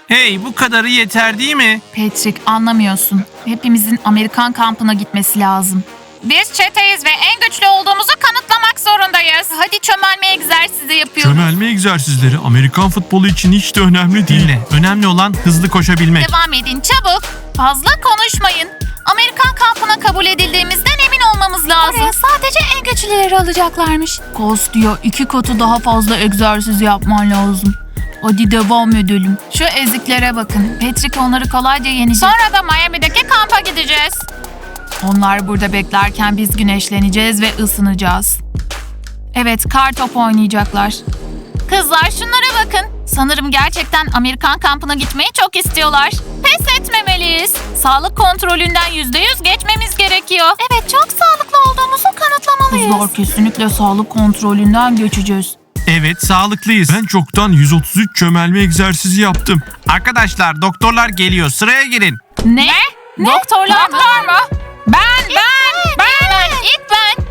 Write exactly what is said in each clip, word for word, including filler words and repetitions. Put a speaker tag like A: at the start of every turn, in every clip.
A: Hey, bu kadarı yeter değil mi?
B: Patrick, anlamıyorsun. Hepimizin Amerikan kampına gitmesi lazım.
C: Biz çeteyiz ve en güçlü olduğumuzu kanıtlamak zorundayız.
B: Hadi çömelme egzersizi yapıyoruz.
D: Çömelme egzersizleri Amerikan futbolu için hiç de önemli değil.
A: Dinle. Önemli olan hızlı koşabilmek.
B: Devam edin çabuk. Fazla konuşmayın. Amerikan kampına kabul edildiğimizden emin olmamız lazım. Oraya sadece en güçlüleri alacaklarmış. Kos diyor, iki katı daha fazla egzersiz yapman lazım. Hadi devam edelim. Şu eziklere bakın. Patrick onları kolayca yenecek.
C: Sonra da Miami'deki kampa gideceğiz.
B: Onlar burada beklerken biz güneşleneceğiz ve ısınacağız. Evet, kar topu oynayacaklar. Kızlar şunlara bakın. Sanırım gerçekten Amerikan kampına gitmeyi çok istiyorlar. Pes etmemeliyiz. Sağlık kontrolünden yüzde yüz geçmemiz gerekiyor. Evet, çok sağlıklı olduğumuzu kanıtlamalıyız. Kızlar kesinlikle sağlık kontrolünden geçeceğiz.
A: Evet, sağlıklıyız.
D: Ben çoktan yüz otuz üç çömelme egzersizi yaptım.
A: Arkadaşlar, doktorlar geliyor. Sıraya girin.
B: Ne? ne? Doktorlar mı?
C: Doktor mu? Ben, ben, ben.
B: ben. İlk ben.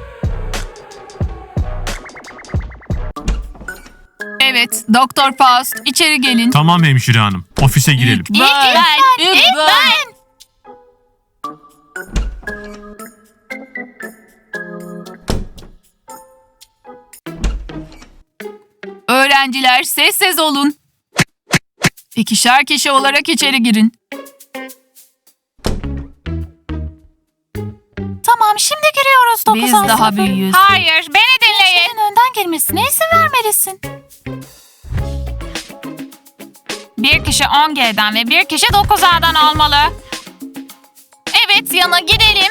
B: Evet, Doktor Faust, içeri gelin.
D: Tamam hemşire hanım. Ofise girelim.
B: İlk ben. İlk ben. İlk ben. Öğrenciler sessiz olun. İkişer kişi olarak içeri girin. Tamam, şimdi giriyoruz dokuz
C: Biz
B: A
C: daha
B: sınıfı.
C: büyüğüz. Hayır, beni dinleyin.
B: Gençlerin önden girmesine izin vermelisin.
C: Bir kişi on G'den ve bir kişi dokuz A'dan olmalı.
B: Evet, yana gidelim.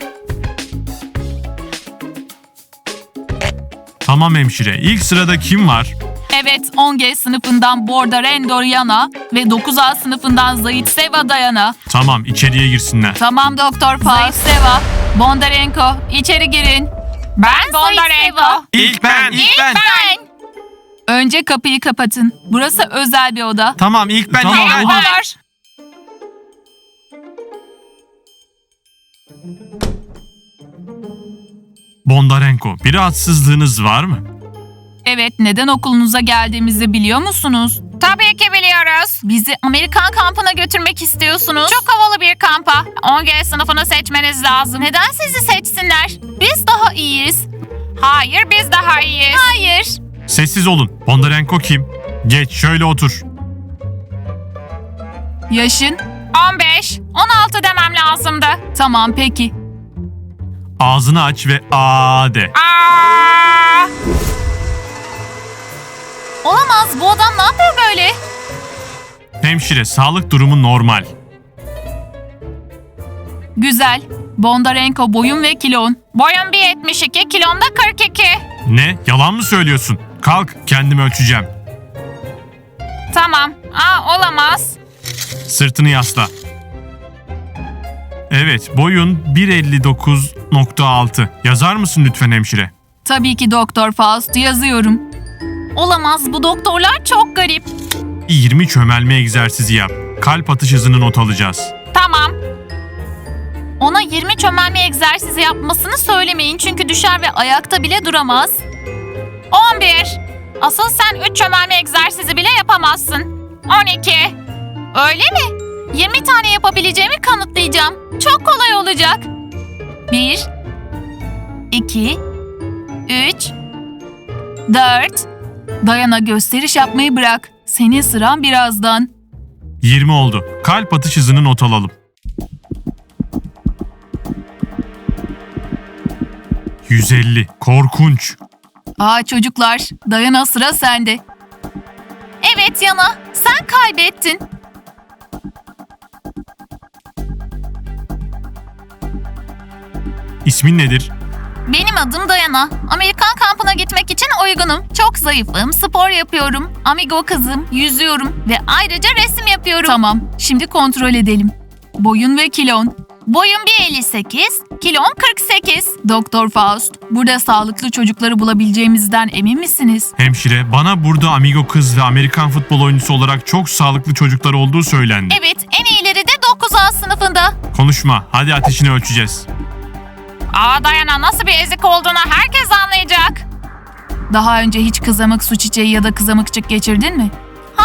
D: Tamam hemşire. İlk sırada kim var?
B: Evet, on G sınıfından Bordarendo Yana ve dokuz A sınıfından Zaitseva Dayana.
D: Tamam, içeriye girsinler.
B: Tamam Doktor Faust. Zaitseva, Bondarenko, içeri girin.
C: Ben Bondarenko.
A: İlk ben, ilk ben.
B: Ben. Önce kapıyı kapatın. Burası özel bir oda.
A: Tamam, ilk ben,
D: Tamam,
A: ilk ben.
D: oğlum.
C: Merhabalar.
D: Bondarenko, bir rahatsızlığınız var mı?
B: Evet, neden okulunuza geldiğimizi biliyor musunuz?
C: Tabii ki biliyoruz.
B: Bizi Amerikan kampına götürmek istiyorsunuz.
C: Çok havalı bir kampa. on G sınıfını seçmeniz lazım.
B: Neden sizi seçsinler? Biz daha iyiyiz.
C: Hayır, biz daha iyiyiz.
B: Hayır.
D: Sessiz olun. Bondarenko kim? Geç, şöyle otur.
B: Yaşın?
C: on beş, on altı demem lazımdı.
B: Tamam, peki.
D: Ağzını aç ve aa de.
C: Aa!
B: Olamaz, bu adam ne yapıyor böyle?
D: Hemşire, sağlık durumu normal.
B: Güzel. Bondarenko boyun ve kilon.
C: Boyum bir yetmiş iki, kilom da kırk iki.
D: Ne? Yalan mı söylüyorsun? Kalk, kendimi ölçeceğim.
C: Tamam. Aa, olamaz.
D: Sırtını yasla. Evet, boyun bir elli dokuz nokta altı. Yazar mısın lütfen hemşire?
B: Tabii ki Doktor Faust, yazıyorum. Olamaz, bu doktorlar çok garip.
D: yirmi çömelme egzersizi yap. Kalp atış hızını not alacağız.
C: Tamam.
B: Ona yirmi çömelme egzersizi yapmasını söylemeyin çünkü düşer ve ayakta bile duramaz.
C: on bir. Asıl sen üç çömelme egzersizi bile yapamazsın. on iki.
B: Öyle mi? yirmi tane yapabileceğimi kanıtlayacağım. Çok kolay olacak. bir, iki, üç, dört. Dayana, gösteriş yapmayı bırak. Senin sıran birazdan.
D: yirmi oldu. Kalp atış hızını not alalım. yüz elli. Korkunç.
B: Aa çocuklar, Dayana, sıra sende. Evet Yana, sen kaybettin.
D: İsmin nedir?
B: Benim adım Dayana. Amerikan kampına gitmek için uygunum. Çok zayıfım, spor yapıyorum, amigo kızım, yüzüyorum ve ayrıca resim yapıyorum. Tamam, şimdi kontrol edelim. Boyun ve kilon. Boyum bir elli sekiz, kilom kırk sekiz. Doktor Faust, burada sağlıklı çocukları bulabileceğimizden emin misiniz?
D: Hemşire, bana burada amigo kız ve Amerikan futbol oyuncusu olarak çok sağlıklı çocuklar olduğu söylendi.
B: Evet, en iyileri de dokuz A sınıfında.
D: Konuşma, hadi ateşini ölçeceğiz.
C: Aa, Dayana nasıl bir ezik olduğunu herkes anlayacak.
B: Daha önce hiç kızamık su çiçeği ya da kızamıkçık geçirdin mi? Hayır.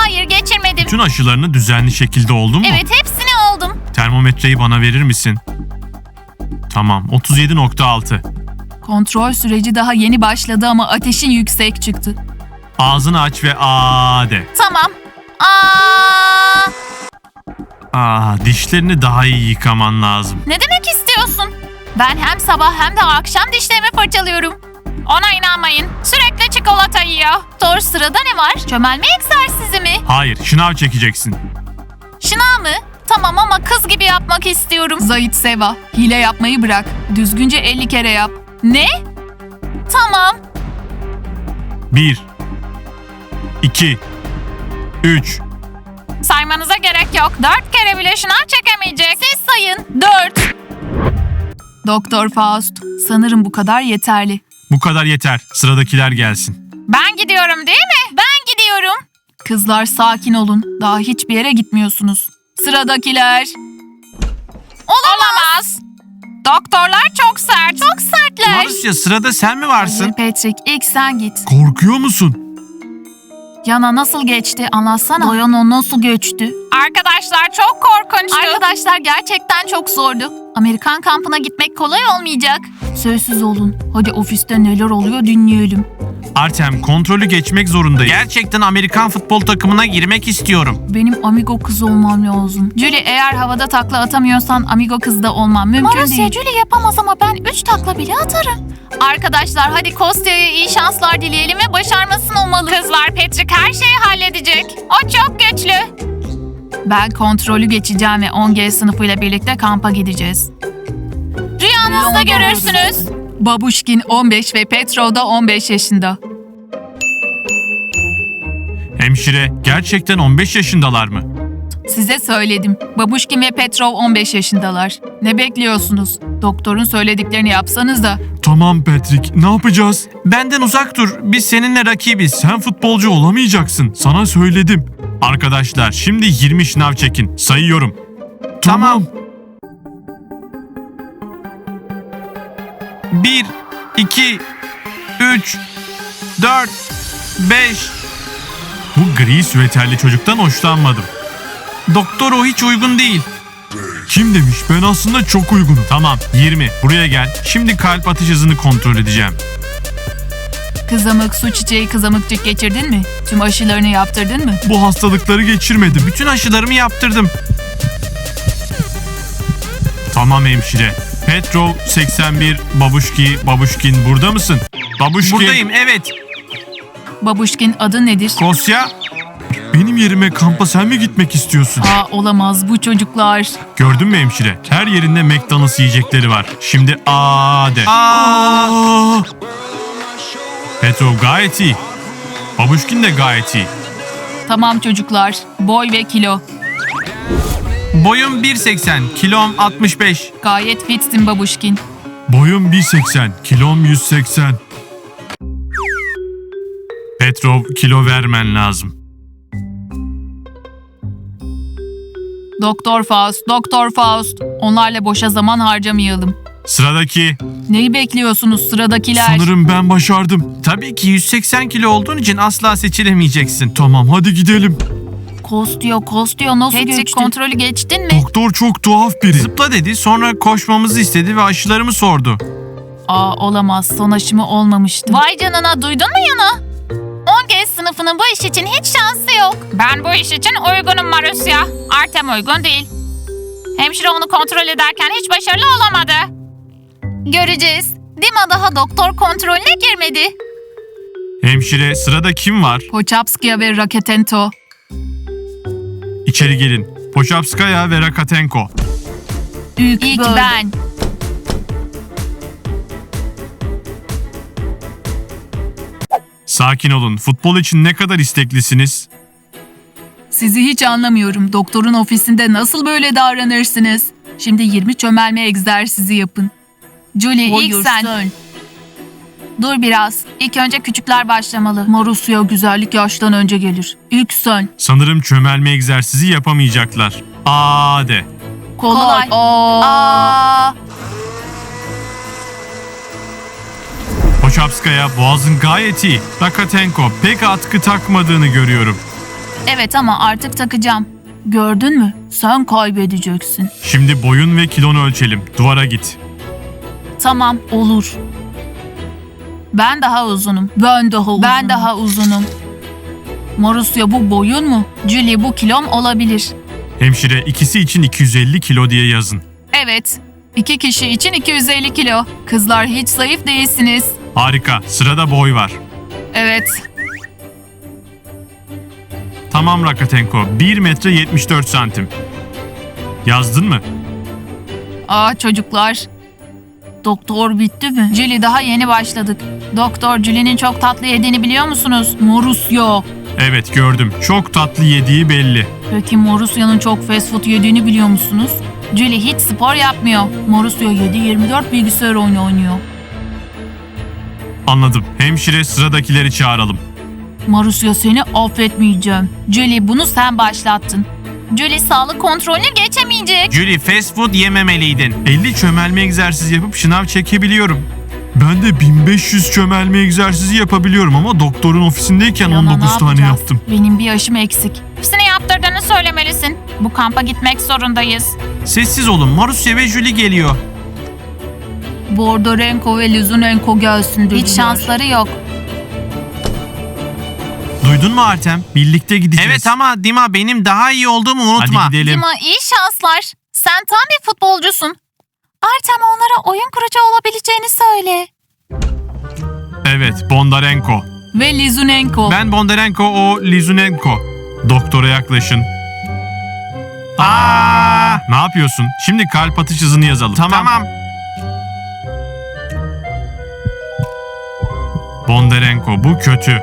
C: Hayır geçirmedim.
D: Bütün aşılarını düzenli şekilde oldun mu?
C: Evet hepsini oldum.
D: Termometreyi bana verir misin? Tamam, otuz yedi nokta altı.
B: Kontrol süreci daha yeni başladı ama ateşin yüksek çıktı.
D: Ağzını aç ve aa de.
C: Tamam. Aa,
D: Aa, dişlerini daha iyi yıkaman lazım.
C: ne demek istiyorsun? Ben hem sabah hem de akşam dişlerimi fırçalıyorum. Ona inanmayın. Sürekli çikolata yiyor. Doğru sırada ne var? Çömelme egzersizi mi?
D: Hayır, şınav çekeceksin.
C: Şınav mı? Tamam ama kız gibi yapmak istiyorum.
B: Zahit Seva, hile yapmayı bırak. Düzgünce elli kere yap.
C: Ne? Tamam.
D: Bir, iki, üç.
C: Saymanıza gerek yok. Dört kere bile şınav çekemeyecek. Siz sayın. Dört.
B: Doktor Faust, sanırım bu kadar yeterli.
D: Bu kadar yeter. Sıradakiler gelsin.
C: Ben gidiyorum değil mi? Ben gidiyorum.
B: Kızlar sakin olun. Daha hiçbir yere gitmiyorsunuz. Sıradakiler.
C: Olamaz. Doktorlar çok sert. Çok sertler.
A: Marusya, sırada sen mi varsın?
B: Hayır Patrick, ilk sen git.
D: Korkuyor musun?
B: Yana nasıl geçti? Anlatsana. Yana nasıl geçti?
C: Arkadaşlar çok korkunçtu.
B: Arkadaşlar gerçekten çok zordu. Amerikan kampına gitmek kolay olmayacak. Sessiz olun. Hadi ofiste neler oluyor dinleyelim.
A: Artem, kontrolü geçmek zorundayım. Gerçekten Amerikan futbol takımına girmek istiyorum.
B: Benim amigo kız olmam lazım. Julie, eğer havada takla atamıyorsan amigo kız da olmam mümkün
C: Marusya,
B: değil.
C: Julie yapamaz ama ben üç takla bile atarım.
B: Arkadaşlar hadi Kostya'ya iyi şanslar dileyelim ve başarmasını umalım.
C: Kızlar, Patrick her şeyi halledecek. O çok güçlü.
B: Ben kontrolü geçeceğim ve on G sınıfıyla birlikte kampa gideceğiz.
C: Rüyanızda görürsünüz.
B: Babuşkin on beş ve Petrov da on beş yaşında.
D: Hemşire, gerçekten on beş yaşındalar mı?
B: Size söyledim. Babuşkin ve Petrov on beş yaşındalar. Ne bekliyorsunuz? Doktorun söylediklerini yapsanız da.
D: Tamam Patrick, ne yapacağız?
A: Benden uzak dur. Biz seninle rakibiz.
D: Sen futbolcu olamayacaksın. Sana söyledim. Arkadaşlar, şimdi yirmi şınav çekin. Sayıyorum.
A: Tamam. Bir, iki, üç, dört, beş.
D: Bu gri süveterli çocuktan hoşlanmadım.
A: Doktor, o hiç uygun değil.
D: Kim demiş? Ben aslında çok uygunum. Tamam, yirmi. Buraya gel. Şimdi kalp atış hızını kontrol edeceğim.
B: Kızamık, su çiçeği, kızamıkçık geçirdin mi? Tüm aşılarını yaptırdın mı?
D: Bu hastalıkları geçirmedim.
A: Bütün aşılarımı yaptırdım.
D: Tamam hemşire. Petrov seksen bir, Babuşki, Babuşkin burada mısın? Babuşkin.
A: Buradayım, evet.
B: Babuşkin adı nedir?
A: Kosya,
D: Benim yerime kampa sen mi gitmek istiyorsun?
B: Aa olamaz bu çocuklar.
D: Gördün mü hemşire? Her yerinde McDonald's yiyecekleri var. Şimdi aa de.
A: aa,
D: Aa! Petrov gayet iyi. Babuşkin de gayet iyi.
B: Tamam çocuklar. Boy ve kilo.
A: boyum bir seksen, kilom altmış beş.
B: Gayet fitsin Babuşkin.
D: Boyum bir seksen, kilom yüz seksen. Petrov, kilo vermen lazım.
B: Doktor Faust, Doktor Faust. Onlarla boşa zaman harcamayalım.
D: Sıradaki.
B: Neyi bekliyorsunuz sıradakiler?
D: Sanırım ben başardım.
A: Tabii ki yüz seksen kilo olduğun için asla seçilemeyeceksin.
D: Tamam, hadi gidelim.
B: Kostyo, Kostyo nasıl
C: Patrick,
B: geçti? kontrolü geçtin mi?
D: Doktor çok tuhaf biri.
A: Zıpla dedi, sonra koşmamızı istedi ve aşılarımı sordu.
B: Aa olamaz. Son aşımı olmamıştı.
C: Vay canına, duydun mu Yana? on G sınıfının bu iş için hiç şansı yok. Ben bu iş için uygunum Marusya. Artem uygun değil. Hemşire onu kontrol ederken hiç başarılı olamadı. Göreceğiz. Dima daha doktor kontrolüne girmedi.
D: Hemşire, sırada kim var?
B: Pochapskaya ve Raketento.
D: İçeri gelin. Pochapskaya ve Rakatenko.
B: İlk,
C: İlk
B: böyle.
C: ben.
D: Sakin olun. Futbol için ne kadar isteklisiniz?
B: Sizi hiç anlamıyorum. Doktorun ofisinde nasıl böyle davranırsınız? Şimdi yirmi çömelme egzersizi yapın. Julie ilk sen. Dur biraz. İlk önce küçükler başlamalı. Marusya güzellik yaştan önce gelir. İlk sen.
D: Sanırım çömelme egzersizi yapamayacaklar. Aa de.
B: Kolay. Aa.
C: Aa,
D: Pochapskaya, boğazın gayet iyi. Rakatenko, pek atkı takmadığını görüyorum.
B: Evet ama artık takacağım. Gördün mü? Sen kaybedeceksin.
D: Şimdi boyun ve kilonu ölçelim. Duvara git.
B: Tamam, olur. Ben daha uzunum. Ben daha uzunum. Ben daha uzunum. Marusya bu boyun mu? Julie bu kilom olabilir.
D: Hemşire ikisi için iki yüz elli kilo diye yazın.
B: Evet. İki kişi için iki yüz elli kilo. Kızlar hiç zayıf değilsiniz.
D: Harika. Sırada boy var.
B: Evet.
D: Tamam Rakatenko. bir metre yetmiş dört santim. Yazdın mı?
B: Aa çocuklar. Doktor bitti mi? Julie daha yeni başladık. Doktor Julie'nin çok tatlı yediğini biliyor musunuz? Marusya.
D: Evet gördüm. Çok tatlı yediği belli.
B: Peki Marusya'nın çok fast food yediğini biliyor musunuz? Julie hiç spor yapmıyor. Marusya yedi yirmi dört bilgisayar oyunu oynuyor.
D: Anladım. Hemşire sıradakileri çağıralım.
B: Marusya seni affetmeyeceğim. Julie bunu sen başlattın. Julie sağlık kontrolünü geçemeyecek.
A: Julie fast food yememeliydin.
D: elli çömelme egzersizi yapıp şınav çekebiliyorum. Ben de bin beş yüz çömelme egzersizi yapabiliyorum ama doktorun ofisindeyken
B: Yana,
D: on
B: ne
D: dokuz tane
B: yapacağız?
D: yaptım.
B: Benim bir yaşım eksik.
C: Hepsini yaptırdığını söylemelisin. Bu kampa gitmek zorundayız.
A: Sessiz olun. Marusya ve Julie geliyor.
B: Bordorenko ve Lizunenko gelsin dediler. Hiç şansları yok.
A: Duydun mu Artem? Birlikte gideceğiz. Evet ama Dima benim daha iyi olduğumu unutma.
D: Hadi gidelim.
B: Dima iyi şanslar. Sen tam bir futbolcusun. Artem onlara oyun kurucu olabileceğini söyle.
D: Evet Bondarenko.
B: Ve Lizunenko.
D: Ben Bondarenko, o Lizunenko. Doktora yaklaşın.
A: Aa!
D: Ne yapıyorsun? Şimdi kalp atış hızını yazalım.
A: Tamam.
D: Bondarenko bu kötü.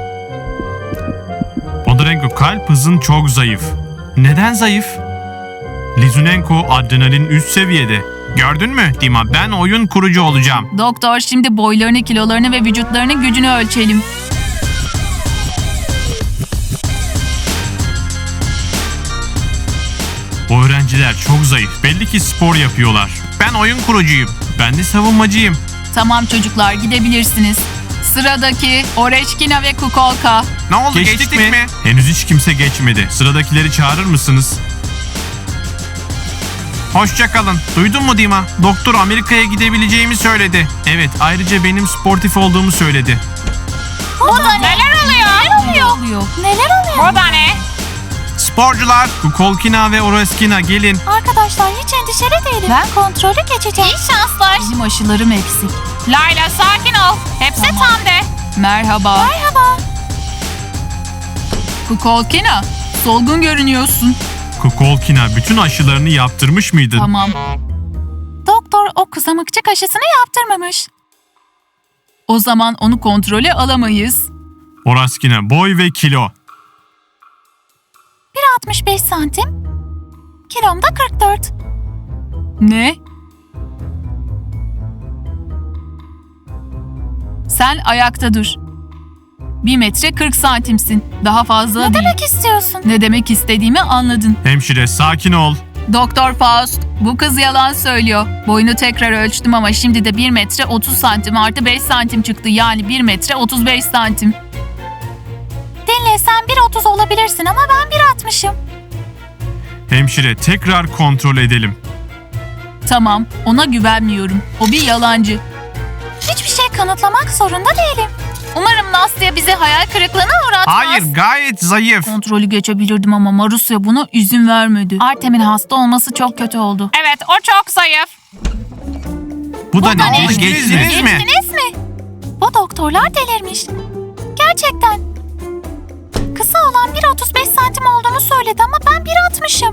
D: Bondarenko kalp hızın çok zayıf.
A: Neden zayıf?
D: Lizunenko adrenalin üst seviyede.
A: Gördün mü Dima? Ben oyun kurucu olacağım.
B: Doktor şimdi boylarını, kilolarını ve vücutlarının gücünü ölçelim.
D: Bu öğrenciler çok zayıf. Belli ki spor yapıyorlar.
A: Ben oyun kurucuyum.
D: Ben de savunmacıyım.
B: Tamam çocuklar gidebilirsiniz. Sıradaki Oreçkina ve Kukolka.
A: Ne oldu?
D: Geçtik,
A: Geçtik,
D: mi?
A: mi?
D: Henüz hiç kimse geçmedi. Sıradakileri çağırır mısınız?
A: Hoşça kalın. Duydun mu Dima? Doktor Amerika'ya gidebileceğimi söyledi.
D: Evet, ayrıca benim sportif olduğumu söyledi.
C: Burada neler oluyor?
B: Ne oluyor? Neler oluyor?
C: Burada ne?
A: Sporcular.
D: Kukolkina ve Oreskina gelin.
B: Arkadaşlar hiç endişeli değilim. Ben kontrolü geçeceğim.
C: İyi şanslar.
B: Benim aşılarım eksik.
C: Layla sakin ol. Hepsi
B: Tamam.
C: tam de.
B: Merhaba. Merhaba. Kukolkina, solgun görünüyorsun.
D: Kukolkina bütün aşılarını yaptırmış mıydın?
B: Tamam. Doktor o kızamıkçık aşısını yaptırmamış. O zaman onu kontrole alamayız.
D: Oraskina boy ve kilo.
B: bir altmış beş santim. Kilom da kırk dört. Ne? Sen ayakta dur. bir metre kırk santimsin. Daha fazla değil. Ne demek istiyorsun? Ne demek istediğimi anladın.
D: Hemşire sakin ol.
B: Doktor Faust, bu kız yalan söylüyor. Boyunu tekrar ölçtüm ama şimdi de bir metre otuz santim artı beş santim çıktı. Yani bir metre otuz beş santim. Dinle sen bir otuz olabilirsin ama ben bir altmışım.
D: Hemşire tekrar kontrol edelim.
B: Tamam, ona güvenmiyorum. O bir yalancı. Hiçbir şey kanıtlamak zorunda değilim. Umarım Nastya bizi hayal kırıklığına uğratmaz.
A: Hayır, gayet zayıf.
B: Kontrolü geçebilirdim ama Marusya buna izin vermedi. Artem'in hasta olması çok kötü oldu.
C: Evet o çok zayıf.
A: Bu da
B: da
A: ne?
B: ne?
A: Oldu, Geçtiniz mi?
B: Geçtiniz mi? Bu doktorlar delirmiş. Gerçekten. Kısa olan bir otuz beş santim olduğunu söyledi ama ben bir altmışım.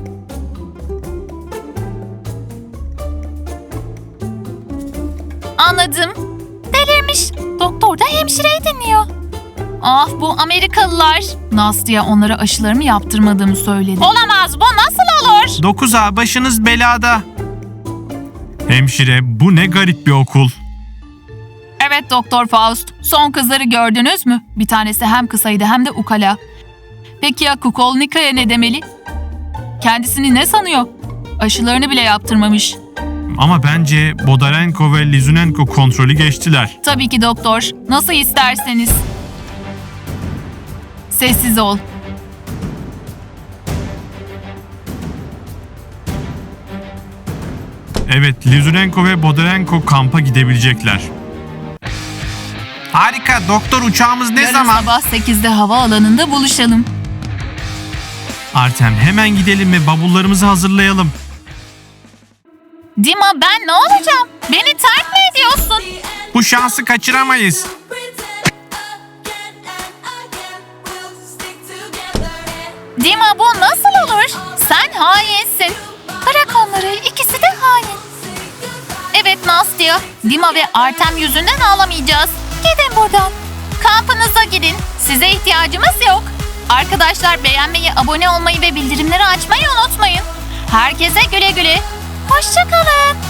B: Anladım. Delirmiş. Doktor da hemşireyi dinliyor. Ah bu Amerikalılar. Nastya onlara aşılarımı yaptırmadığımı söyledi.
C: Olamaz bu nasıl olur?
A: dokuz A başınız belada.
D: Hemşire bu ne garip bir okul.
B: Evet Doktor Faust. Son kızları gördünüz mü? Bir tanesi hem kısaydı hem de ukala. Peki ya Kukolnika'ya ne demeli? Kendisini ne sanıyor? Aşılarını bile yaptırmamış.
D: Ama bence Bodarenko ve Lizunenko kontrolü geçtiler.
B: Tabii ki doktor. Nasıl isterseniz. Sessiz ol.
D: Evet, Lizurenko ve Bodarenko kampa gidebilecekler.
A: Harika. Doktor, uçağımız ne
B: Yarın
A: zaman?
B: sabah sekizde havaalanında buluşalım.
D: Artem, hemen gidelim ve bavullarımızı hazırlayalım.
C: Dima, ben ne olacağım? Beni terk mi ediyorsun?
A: Bu şansı kaçıramayız.
C: Dima, bu nasıl olur? Sen hainsin. Bırak onları, ikisi de hain. Evet Nastya, Dima ve Artem yüzünden ağlamayacağız. Gidin buradan. Kampınıza gidin. Size ihtiyacımız yok. Arkadaşlar, beğenmeyi, abone olmayı ve bildirimleri açmayı unutmayın. Herkese güle güle. Hoşça kalın.